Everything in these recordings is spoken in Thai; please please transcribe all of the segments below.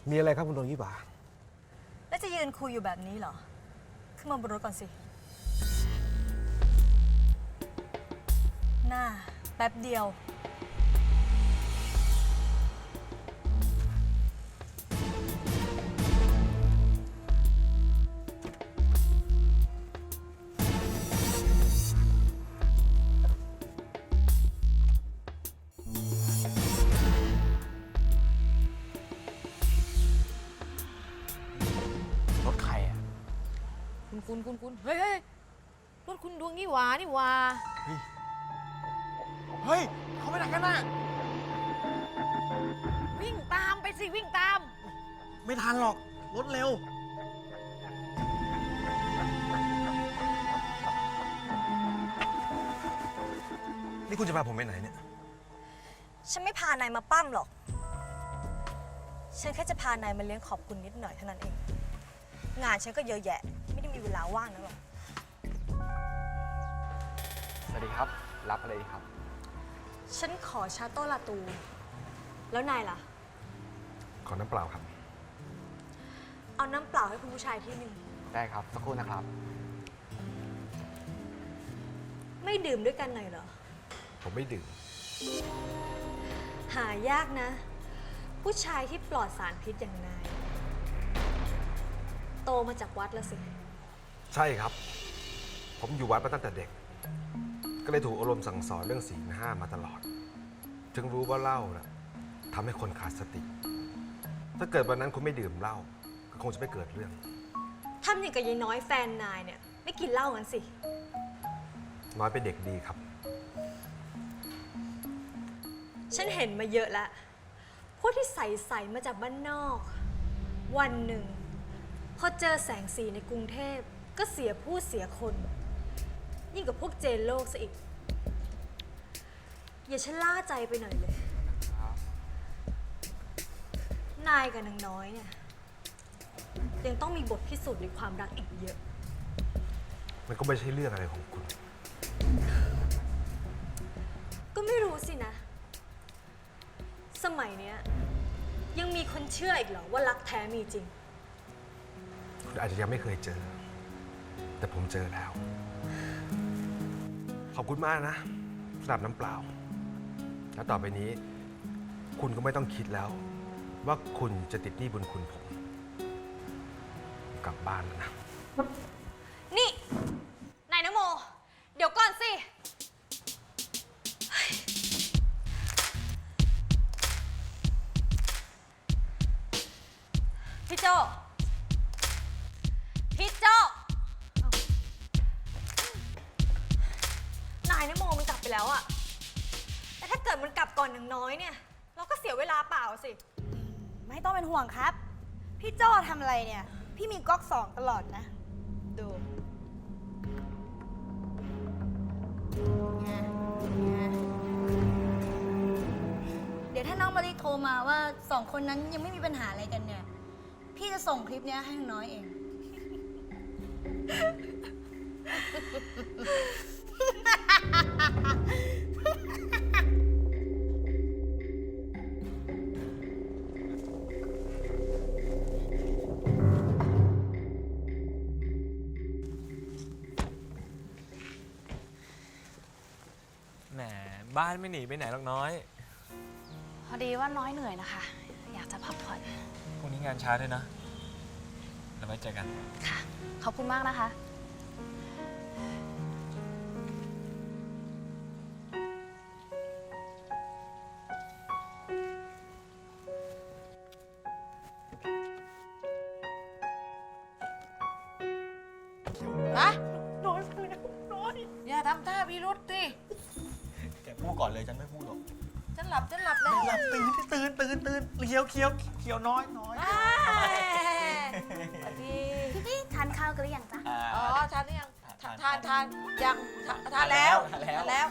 มีอะไรครับคุณดวงยี่หว่าแล้วจะยืนคุยอยู่แบบนี้เหรอ ขึ้นมาบนรถก่อนสิ หน้าแป๊บเดียวรถใครอ่ะคุณเฮ้ยรถคุณดวงนี่หว่านี่หว่าเฮ้ย เขาไปไหนกันน่ะวิ่งตามไปสิวิ่งตามไม่ทันหรอก รถเร็วนี่คุณจะพาผมไปไหนเนี่ยฉันไม่พานายมาปั้มหรอก ฉันแค่จะพานายมาเลี้ยงขอบคุณนิดหน่อยเท่านั้นเอง งานฉันก็เยอะแยะ ไม่ได้มีเวลาว่างนะหรอกสวัสดีครับ รับอะไรดีครับฉันขอชาโต้ลาตู แล้วนายล่ะขอน้ำเปล่าครับเอาน้ำเปล่าให้คุณผู้ชายที่หนึ่งได้ครับ สักครู่นะครับไม่ดื่มด้วยกันหน่อยเหรอผมไม่ดื่มหายากนะ ผู้ชายที่ปลอดสารพิษอย่างนาย โตมาจากวัดแล้วสิใช่ครับ ผมอยู่วัดมาตั้งแต่เด็ก ก็เลยถูกอบรมสั่งสอนเรื่องศีลห้ามาตลอด จึงรู้ว่าเหล้านะทำให้คนขาดสติ ถ้าเกิดวันนั้นคุณไม่ดื่มเหล้าก็คงจะไม่เกิดเรื่องทำอย่างกับยายน้อยแฟนนายเนี่ย ไม่กินเหล้ากันสิน้อยเป็นเด็กดีครับฉันเห็นมาเยอะแล้วพวกที่ใส่มาจากบ้านนอก วันหนึ่ง พอเจอแสงสีในกรุงเทพก็เสียผู้เสียคน ยิ่งกับพวกเจนโลกซะอีก อย่าชะล่าใจไปหน่อยเลย นายกับนางน้อยเนี่ย ยังต้องมีบทพิสูจน์ในความรักอีกเยอะมันก็ไม่ใช่เรื่องอะไรของคุณก็ไม่รู้สินะ สมัยเนี้ยยังมีคนเชื่ออีกเหรอว่ารักแท้มีจริงคุณอาจจะยังไม่เคยเจอ แต่ผมเจอแล้ว ขอบคุณมากนะสำหรับน้ำเปล่า แล้วต่อไปนี้ คุณก็ไม่ต้องคิดแล้ว ว่าคุณจะติดหนี้บุญคุณผม กลับบ้านแล้วนะนี่ นายนโม เดี๋ยวก่อนสิเฮ้ยพี่โจพี่โจนายนโมมันกลับไปแล้วอะแต่ถ้าเกิดมันกลับก่อนอย่างน้อยเนี่ย เราก็เสียเวลาเปล่าสิไม่ต้องเป็นห่วงครับ พี่โจ้ทำอะไรเนี่ย พี่มีก๊อกสองตลอดนะ ดูไงเดี๋ยวถ้าน้องมาริโทรมาว่าสองคนนั้นยังไม่มีปัญหาอะไรกันเนี่ย พี่จะส่งคลิปเนี้ยให้น้อยเองแหมบ้านไม่หนีไปไหนหรอกน้อยพอดีว่าน้อยเหนื่อยนะคะ อยากจะพักผ่อนพรุ่งนี้งานช้าด้วยนะแล้วไว้เจอกันค่ะ ขอบคุณมากนะคะฮะน้อยอย่าทำท่าพิรุษสิแกพูดก่อนเลย ฉันไม่พูดหรอกฉันหลับแล้วหลับตื่นเขียวน้อยพี่ทานข้าวกันหรือยังจ๊ะอ๋อทานหรือยังทานทานยังทานแล้วทานแล้วแล้ว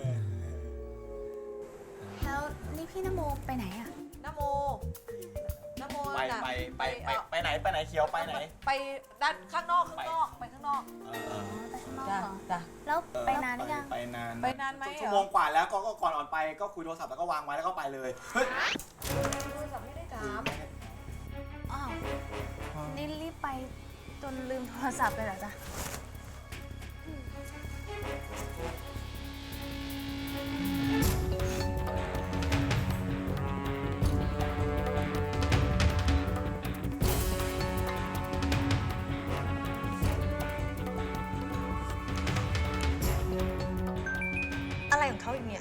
นี่พี่นโมไปไหนอะนะโมนะโมไปน่ะไหนเขียวไปไหนไปด้านข้างนอกไปข้างนอกไปข้างนอกจ้ะเหรอจ้ะแล้วไปนานหรือยังไปนานไปนานไหมเหรอชั่วโมงกว่าแล้วก็ก่อนออกไปก็คุยโทรศัพท์แล้วก็วางไว้แล้วก็ไปเลย เฮ้ยโทรศัพท์ไม่ได้ถามนี่รีบไปจนลืมโทรศัพท์เลยเหรอจ๊ะอะไรของเขาอีกเนี่ย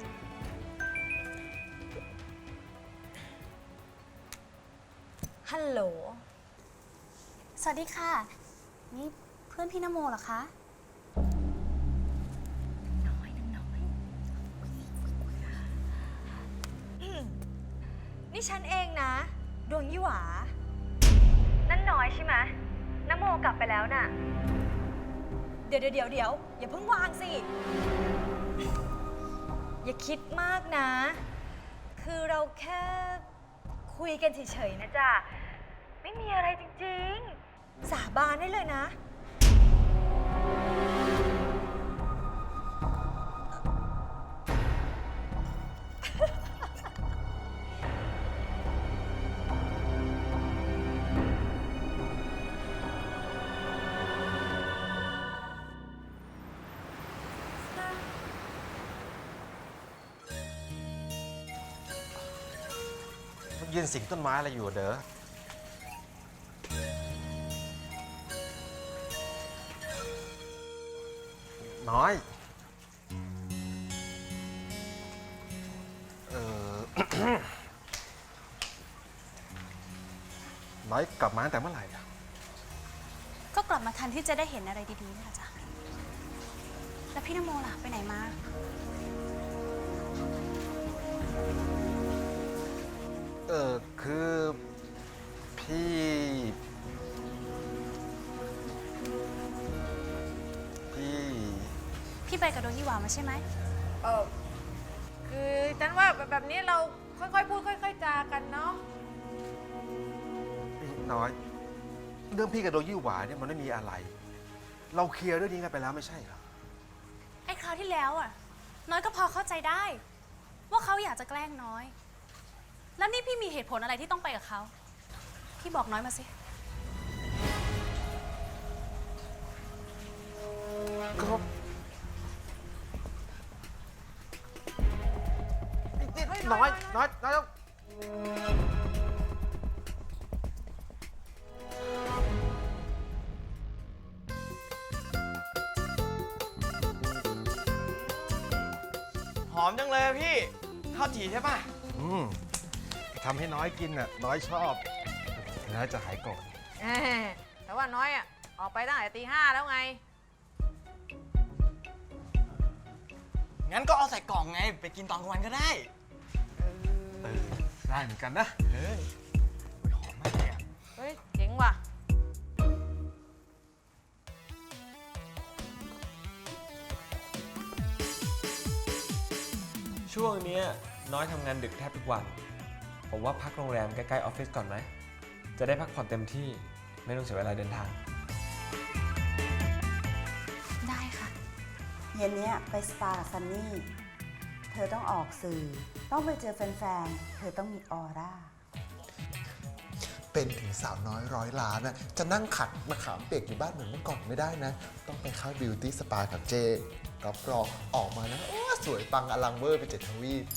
ฮัลโหลสวัสดีค่ะ นี่เพื่อนพี่นโมเหรอคะนี่ฉันเองนะ ดวงยี่หวา นั่นน้อยใช่ไหมนโมกลับไปแล้วน่ะ เดี๋ยวอย่าเพิ่งวางสิ อย่าคิดมากนะ คือเราแค่คุยกันเฉยๆนะจ๊ะ ไม่มีอะไรจริงๆ สาบานได้เลยนะยืนสิงต้นไม้อะไรอยู่อะเด้อน้อย น้อยกลับมาตั้งแต่เมื่อไหร่อะก็กลับมาทันที่จะได้เห็นอะไรดีๆนี่แหละจ้ะ แล้วพี่นโมล่ะ ไปไหนมาคือพี่พี่ไปกับดวงยี่หวามาใช่ไหมคือฉันว่าแบบนี้เราค่อยๆพูดค่อยๆจากันเนาะน้อย เรื่องพี่กับโดยี่หวาเนี่ยมันไม่มีอะไร เราเคลียร์เรื่องนี้กันไปแล้วไม่ใช่เหรอไอ้คราวที่แล้วอ่ะ น้อยก็พอเข้าใจได้ ว่าเขาอยากจะแกล้งน้อย แล้วนี่พี่มีเหตุผลอะไรที่ต้องไปกับเขา พี่บอกน้อยมาสิก็น้อยต้องหอมจังเลยอะพี่ข้าวจี่ใช่ป่ะทำให้น้อยกินน่ะ น้อยชอบ แล้วจะหายโกรธแต่ว่าน้อยอ่ะ ออกไปตั้งแต่ตี 5แล้วไงงั้นก็เอาใส่กล่องไง ไปกินตอนกลางวันก็ได้ได้เหมือนกันนะเฮ้ยหอมมากเลยอะเฮ้ย เจ๋งว่ะช่วงเนี้ยน้อยทำงานดึกแทบทุกวัน ผมว่าพักโรงแรมใกล้ๆออฟฟิศก่อนไหม จะได้พักผ่อนเต็มที่ไม่ต้องเสียเวลาเดินทางได้ค่ะเย็นเนี้ยไปสปากับซันนี่ เธอต้องออกสื่อ ต้องไปเจอแฟนๆ เธอต้องมีออร่าเป็นถึงสาวน้อยร้อยล้านนะจะนั่งขัดมะขามเปียกอยู่บ้านเหมือนเมื่อก่อนไม่ได้นะ ต้องไปเข้าบิวตี้สปากับเจรับรองออกมานะโอ้สวยปังอลังเวอร์ไป7 ทวีป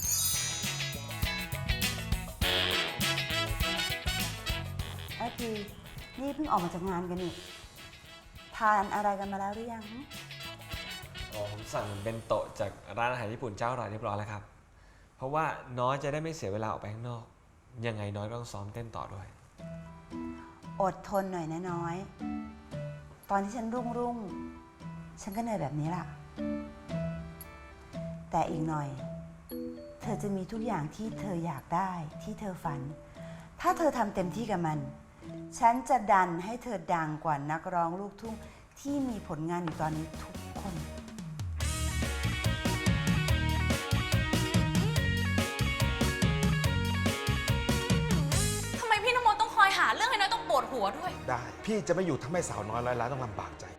ทีนี่เพิ่งออกมาจากงานกันนี่ ทานอะไรกันมาแล้วหรือยังหึอ๋อผมสั่งเป็นโต๊ะจากร้านอาหารญี่ปุ่นเจ้าอร่อยเรียบร้อยแล้วครับ เพราะว่าน้อยจะได้ไม่เสียเวลาออกไปข้างนอก ยังไงน้อยก็ต้องซ้อมเต้นต่อด้วยอดทนหน่อยนะน้อย ตอนที่ฉันรุ่งฉันก็เหนื่อยแบบนี้ล่ะ แต่อีกหน่อย เธอจะมีทุกอย่างที่เธออยากได้ที่เธอฝัน ถ้าเธอทำเต็มที่กับมัน ฉันจะดันให้เธอดังกว่านักร้องลูกทุ่งที่มีผลงานอยู่ตอนนี้ทุกคนทำไมพี่นโมต้องคอยหาเรื่องให้น้อยต้องปวดหัวด้วยได้ พี่จะไม่อยู่ทำให้สาวน้อยร้อยล้านต้องลำบากใจ